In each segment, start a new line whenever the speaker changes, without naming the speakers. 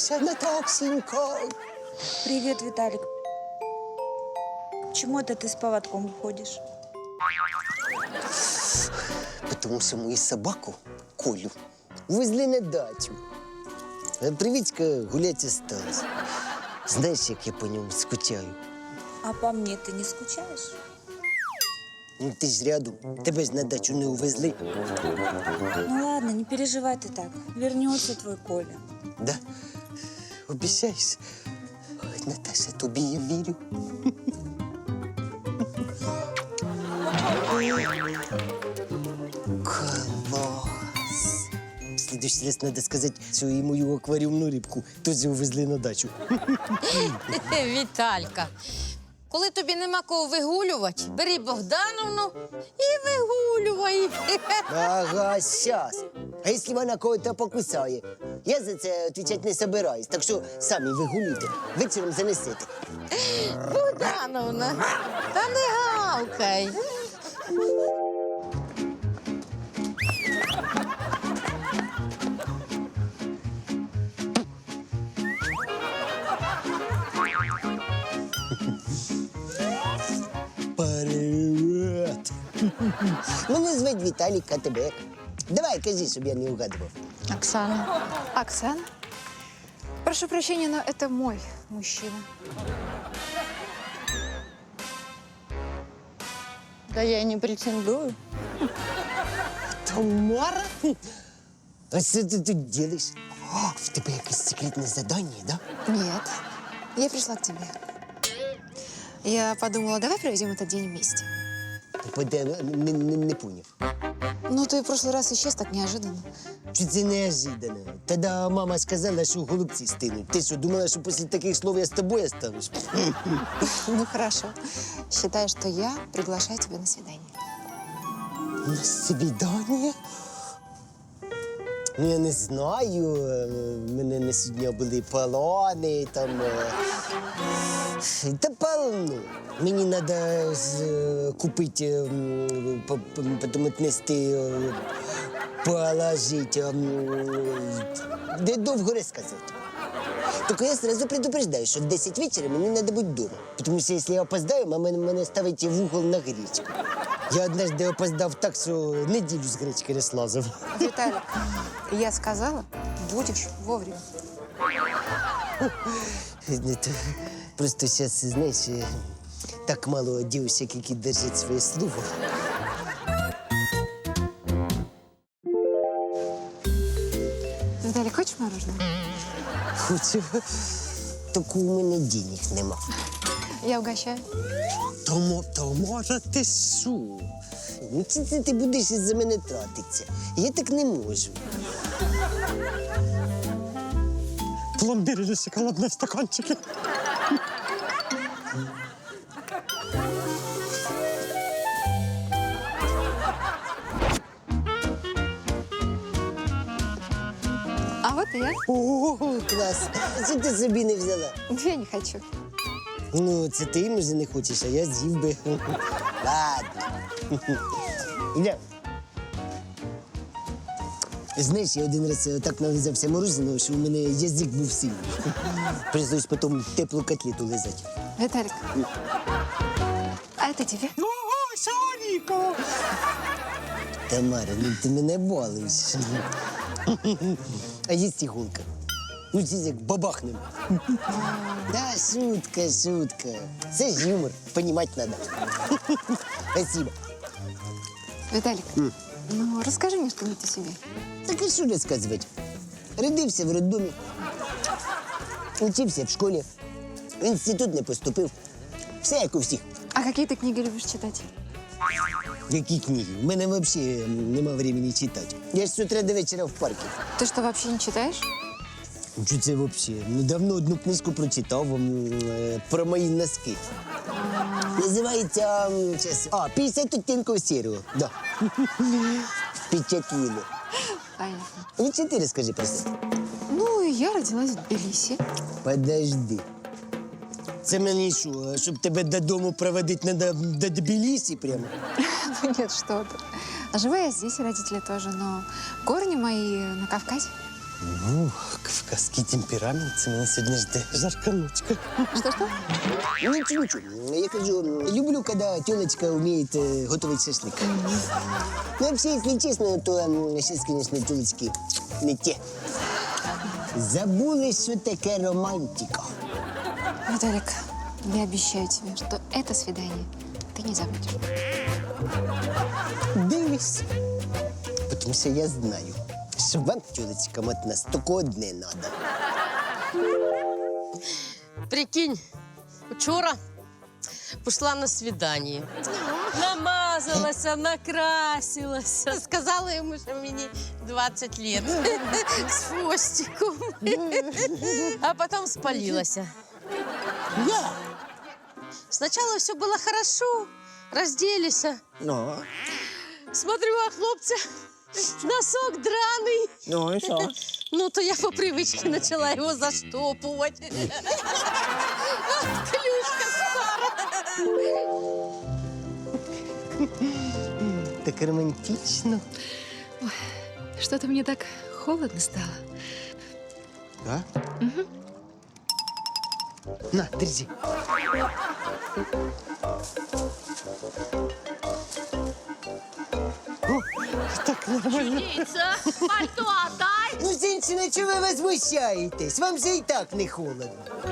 Согласился, Наташенька.
Привет, Виталик. Почему это ты с поводком уходишь?
Потому что мою собаку, Колю, увезли на дачу. А Привітька гулять осталась. Знаешь, як я по нему скучаю?
А по мне ты не скучаешь?
Ну, ти ж рядом. Тебе ж на дачу не увезли.
Ну ладно, не переживай ты так. Вернется твой Коля.
Да? Обіцяєш? Ой, Наташа, тобі я вірю. Класс! В следующий раз надо сказать, что и мою аквариумную рыбку тоже увезли на дачу.
Віталька, коли тобі нема кого вигулювати, бери Богдановну і вигулювай.
Ага, сейчас. А если она кого-то покусает? Я за це отвечать не собираюсь, так що самі вигулюйте. Вечором занесете.
Богдановна, та не гавкай.
Привет! Мене звуть Віталій Катебек. Давай, кажи, щоб я не угадував.
Оксана. Оксана? Прошу прощения, но это мой мужчина.
Да я не претендую.
Тамара? А що ти тут делаєш? О, в тебе якесь секретне завдання, да?
Нет, я пришла к тебе. Я подумала, давай проведем этот день вместе.
Не поняв.
Ну, ты в прошлый раз исчез так неожиданно.
Чи це неожиданно? Тоді мама сказала, що голубці стинуть. Ти що, думала, що після таких слов я з тобою останусь?
Ну, хорошо. Считай, что я приглашаю тебя на свидание.
На свидання? Ну, я не знаю. У мене на сьогодні були полони, там... Та полно. Мені треба купити, потім віднести, положити. Де довго розказувати. Только я сразу предупреждаю, что в 10 вечера мне надо быть дома. Потому что если я опоздаю, мама меня ставит в угол на гречку. Я однажды опоздав так, что неделю с гречкой не слазав.
Виталик, я сказала, будешь вовремя.
Это просто сейчас, знаешь, так мало девушек, які держать своє слово.
Виталик, хочешь мороженое?
Хочу. Тільки у мене денег нема.
Я угощаю.
Тамара, ти що? Ну, це ти будеш із-за мене тратитися. Я так не можу.
Пломбир или шоколадные стаканчики.
А вот и я.
О, клас. Що ти собі не взяла?
Я не хочу.
Ну, це ти, може, не хочеш, а я з'їв би. Ладно. Іля. Знаєш, я один раз так нализався мороженого, що у мене язик був сильний. Прийшлось потім теплу котлету лизати.
Виталик, а это тебе?
Ого, Сонико!
Тамара, ну ти мене балуєш. А є іголка. Ну, це як бабахнем. Да, шутка, шутка. Це ж юмор, понімати треба. Спасибо.
Виталик, ну расскажи мне что-нибудь о себе.
Так а що розказувати? Родився в роддомі, учився в школі, в інститут не поступив. Все як у всіх.
А какие ты книги любишь читать?
Які книги? У мене взагалі нема времени читати. Я ж з утра до вечора в парку.
Ты что, вообще не читаешь?
Що це взагалі? Недавно одну книжку прочитав про мої носки. Називається, сейчас, 50 оттінків сірого. Да. Впечатлило.
Понятно.
Ну, чи ти розкажи про себе?
Ну, я родилась в Тбилиси.
Подожди. Це мені що, щоб тебе додому проводити треба до Тбілісі прямо?
Ну нет, что ты. Живу я здесь, родители тоже, но корни мои на Кавказе.
Ну, кавказский темперамент це мене сьогодні жде.
Жарканочка.
Что-что?
Ничего, ничего. Я кажу, люблю, когда тёлочка умеет готовить шашлык. Ну, вообще, если честно, то сейчас, конечно, тёлочки не те. Забули, що таке романтика.
Виталик, я обещаю тебе, что это свидание ты не забудешь.
Дивись. Тому що я знаю, що вам, тёлочкам, от нас тільки одне надо.
Прикинь, вчора пішла на свідання. Намазалася, накрасилася. Сказала йому, що мені 20 лет. З хвостиком. А потім спалилася.
Я?
Спочатку все було хорошо, розделися.
Ну,
Смотрю, а хлопця носок драний.
ну і що?
Ну, то я по привычке начала его заштопывать. Клюшка стара.
Так романтично.
Что-то мне так холодно стало.
Да? Угу. На, держи.
Так нормально.
Птица, пальто отдай.
Ну, женщина, чего вы возмущаетесь? Вам же и так не холодно.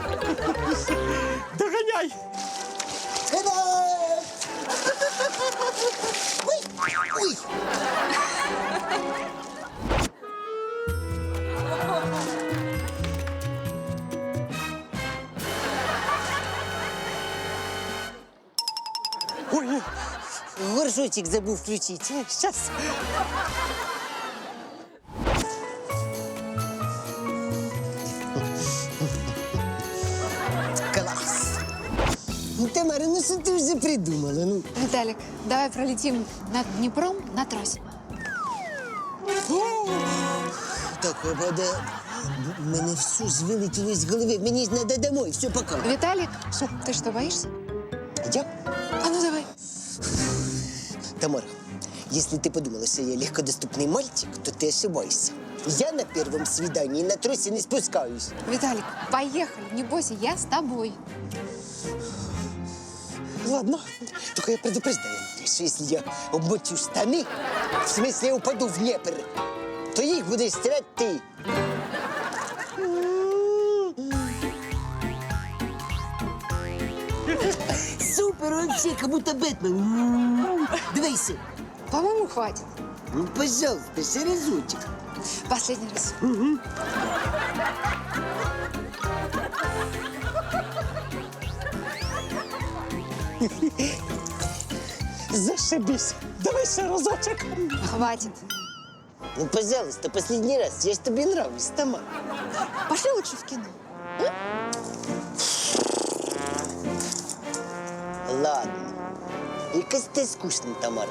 Доганяй.
Та-да! Ой, ой.
Ой,
Горшочек забыл включить.
сейчас.
Класс. Ну, Тамара, ну что ты уже придумала? Ну,
Виталик, давай пролетим над Днепром на тросе.
так, вода. Мене все ж вилетіло з голови. Мені ж надо домой. Все, пока.
Виталик, ты что, боишься?
Я?
А ну давай.
Тамара, если ты подумала, что я легкодоступный мальчик, то ты ошибаешься. Я на первом свидании на тросе не спускаюсь.
Виталик, поехали, не бойся, я с тобой.
Ладно, только я предупреждаю, что если я обмочу штаны, в смысле упаду в Днепр, то их будешь стирать ты. Супер, вообще, как будто Бэтмен. Дивися.
По-моему, хватит.
Ну, пожалуйста, ще разочек.
Последний раз.
Зашибись. Давай ще разочек.
Хватит.
Ну, пожалуйста, последний раз. Я ж тобі нравлюсь, Тамара.
Пошли лучше в кино.
Ладно. Якась ти скучна, Тамара.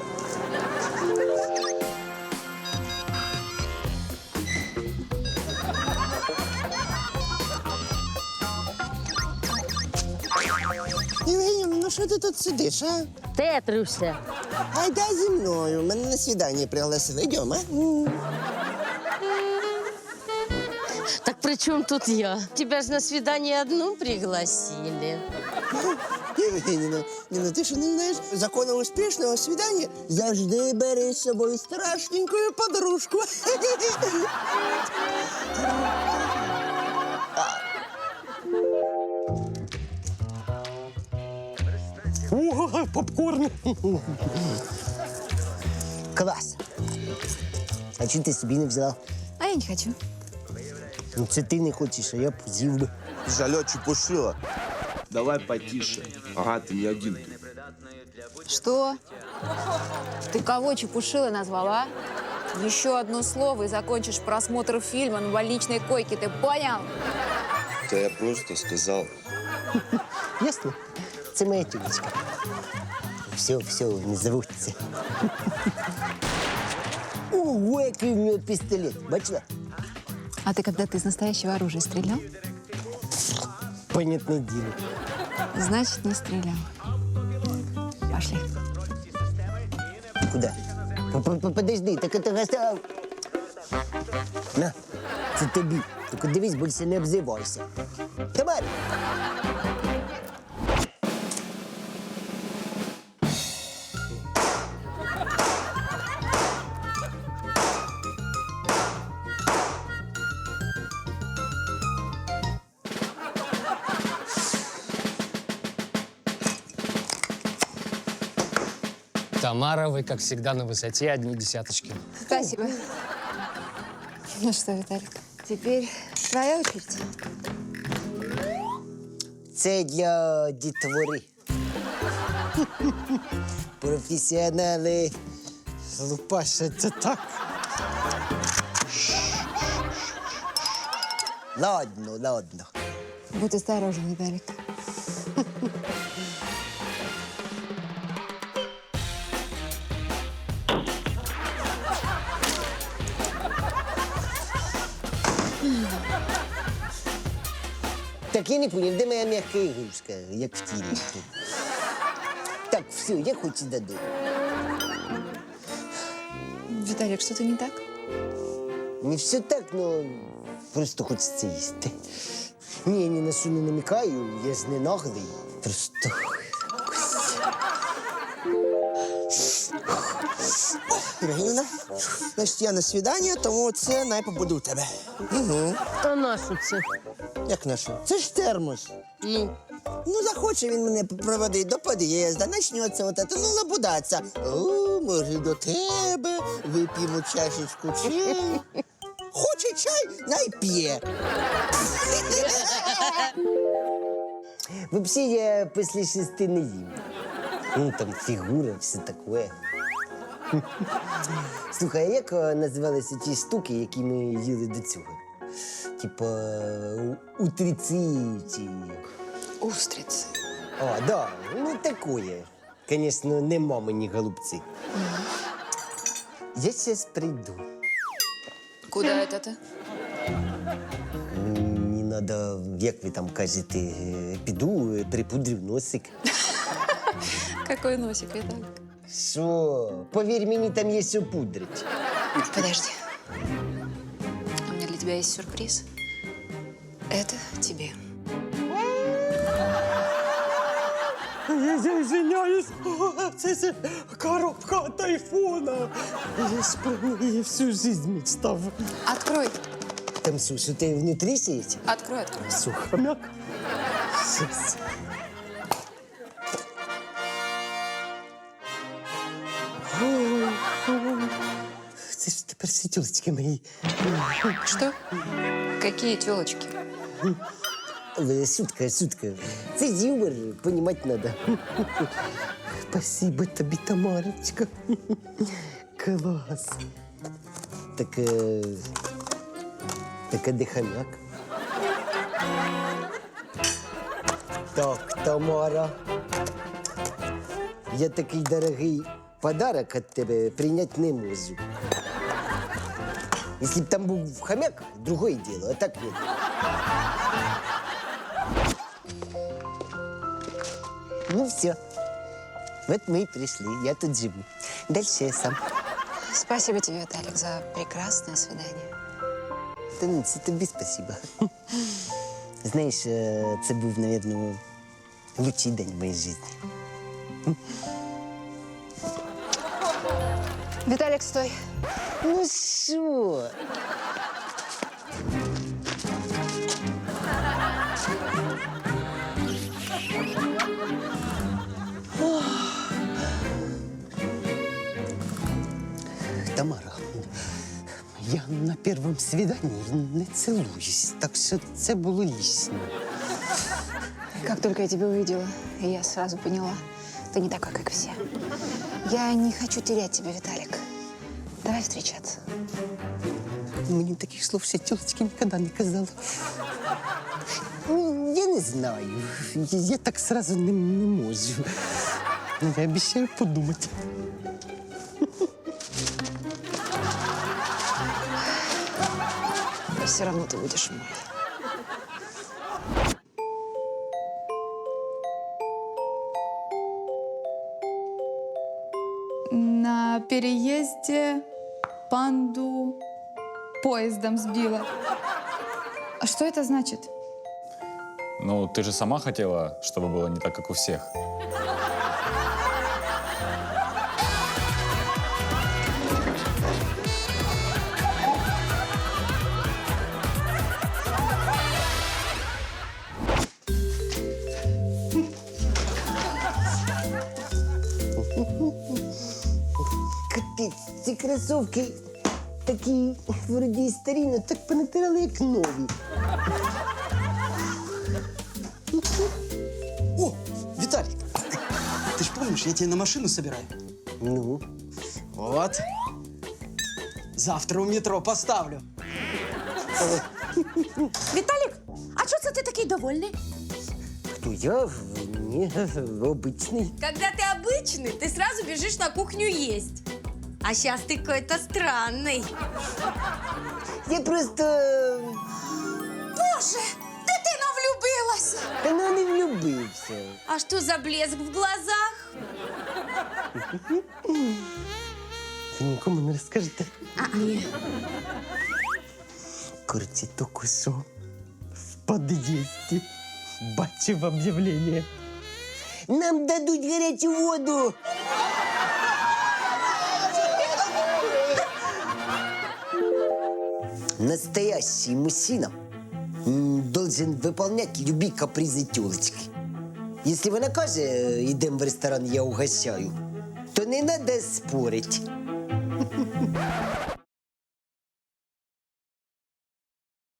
Євгенія, ну що ти тут сидиш, а?
Тетрюся.
Айда зі мною. Мене на свідання пригласили. Йдемо, а?
Так при чем тут я? Тебя же на свидание одну пригласили.
Євгенія, ну ти що не знаєш? Закону успішного свідання завжди бери з собою страшненьку подружку.
О, попкорн.
Клас. А чого ти собі не взяла?
А я не хочу.
Ну, це ти не хочеш, а я б з'їв би.
Жалё, чепушила. Давай потише. Ага, ты не один тут.
Что? Ты кого чепушилой назвала? Еще одно слово и закончишь просмотр фильма на больничной койке, ты понял?
Да я просто сказал.
Ясно? Це моя тюлечка. Все, не заводься. Ого, який в нього пістолет. Бачила?
А ты когда-то из настоящего оружия стрелял?
Понятне діло.
Значит, не стрелял. Пошли.
Куда? Подожди, так это гостя. На. Це тобі. Тільки дивись, більше не обзивайся. Тамара!
Тамара, вы, как всегда, на высоте, одни десяточки.
Спасибо. Ну что, Виталик, теперь твоя очередь.
Це для дітвори. Професіонали.
Лупаша, це так.
Ладно, ладно.
Будь осторожен, Виталик.
Так я не понял, де моя м'яка ігрушка, як в тірі. Так, все, я хочу додому.
Виталик, что-то не так?
Не все так, но просто хочеться їсти. Ні, я ні на що не намікаю, я ж не наглий. Просто
Ірина, значить, я на свідання, тому це най побуду у тебе.
А на що це?
Як наше? Це ж термос. Ну, захоче він мене проводити до під'їзду, почнеться от це, ну, лабудаться. О, може, до тебе, вип'ємо чашечку чаю. Хоче чай, най п'є.
Вообще я після 6 не їм. Ну, там фігура, все таке. Слухай, а як називалися ті штуки, які ми їли до цього? Типа утриці чи...
Устрицы.
А, да, ну такое. Конечно, не мамині голубці. Я сейчас прийду.
Куда это ты?
Мені надо, як ви там кажете, піду, припудрю носик.
Какой носик, Виталик?
Що? Повір мені, там є що пудрить.
Подожди. У меня для тебя есть сюрприз. Это тебе.
Я извиняюсь, це ж коробка от айфона. Я ж про неї всю жизнь мечтав.
Открой.
Там що ти внутрі сидить?
Открой, открой.
Все, хомяк.
Щас. Це ж тепер всі тілочки мої.
Что? Какие телочки?
Але шутка, шутка. Це юмор, понімати треба. Спасибо тобі, Тамарочка. Клас. Так, так, а де хомяк? Так, Тамара. Я такий дорогий подарок від тебе прийняти не можу. Якщо б там був хомяк, другое дело, а так нет. Ну все. Вот мы и пришли. Я тут живу. Дальше я сам.
Спасибо тебе, Виталик, за прекрасное свидание.
Та ну, це тобі спасибо. Знаєш, це був, мабуть, лучший день в моїй житті.
Виталик, стой.
Ну що? Тамара,
Я на первом свидании не целуюсь, так що це було лишнє.
Как только я тебя увидела, я сразу поняла, ты не такой, как все. Я не хочу терять тебя, Виталик. Давай встречаться.
Мені таких слов ще тілочки ніколи не казали.
ну, я не знаю.
Я так сразу не можу. Я обіцяю подумати.
Все равно ты будешь мой.
На переезде панду поездом сбила. А что это значит?
Ну, ты же сама хотела, чтобы было не так, как у всех.
Капець, ці кросовки такі вроді і старі, но так понатирали, як нові.
О, Виталик, ты ж помнишь, я тебя на машину собираю?
Ну,
Вот. Завтра у метро поставлю.
Віталік, а чого це ти такий довольний?
хто я? Ні, обичний.
Когда ты обычный, ты сразу бежишь на кухню есть. А сейчас ты какой-то странный.
Я просто...
Боже, дитина влюбилася.
Та ну не влюбився.
А что за блеск в глазах?
Ви нікому не розкажете?
Ні.
Короче, тільки що в під'їзді бачив об'явлення. Нам дадуть гарячу воду. Настоящий мужчина должен выполнять любые капризы тёлочки. Если вона каже, идем в ресторан, я угощаю, то не надо спорить.